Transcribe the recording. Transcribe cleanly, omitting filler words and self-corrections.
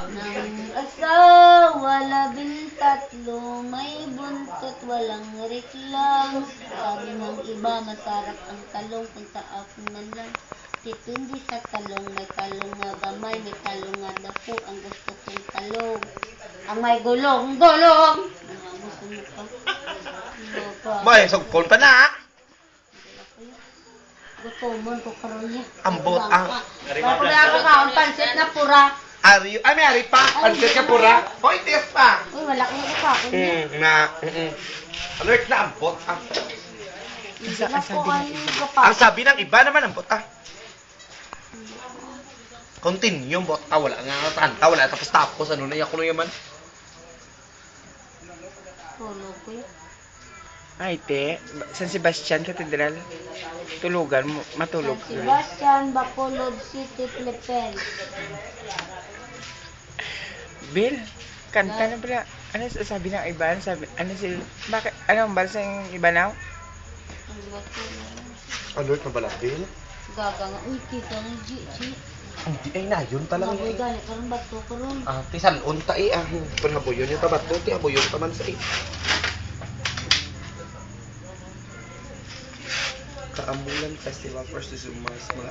Nang asawa, 13, may buntot, walang reklam. Sabi ng iba, masarap ang talong kung sa akin man lang. Depende sa talong, may talong nga gamay, may talong nga dako, ang gusto kong talong. Ang may gulong, gulong! Gusto mo pa? May, sugkon pa na. Gutomon ko karon niya. Ambot ang. Bago na ako kaon pansit na pura. Ari, ay, may ari pa. Pansit ka pura. Hoy, test pa. Uy, wala kong ikaon niya. Ano na ambot? Hindi na po kayo Ang sabi ng iba naman ambot Continue, bot. Wala nga tanta. Wala tapos. Ano na yung kuno yaman? Tulog ko yun. Ay, te. San Sebastian Cathedral. Tulugan mo. Matulog. San Sebastian, Bacolod City, Philippines. Bill, kanta na pala. Ano sabi ng iba? Bakit? Ano ang balsa yung iba now? Ang bato na yun. Alert na bala, Bill? Gaga nga. Uy, kita ng G. Hindi ay na, yun talaga. Maboy gani, karon bato karon. Tisan, unta Panabuyon yung tabat doon, tihabuyon pa man sa Kaambulan Festival for Susumas, mga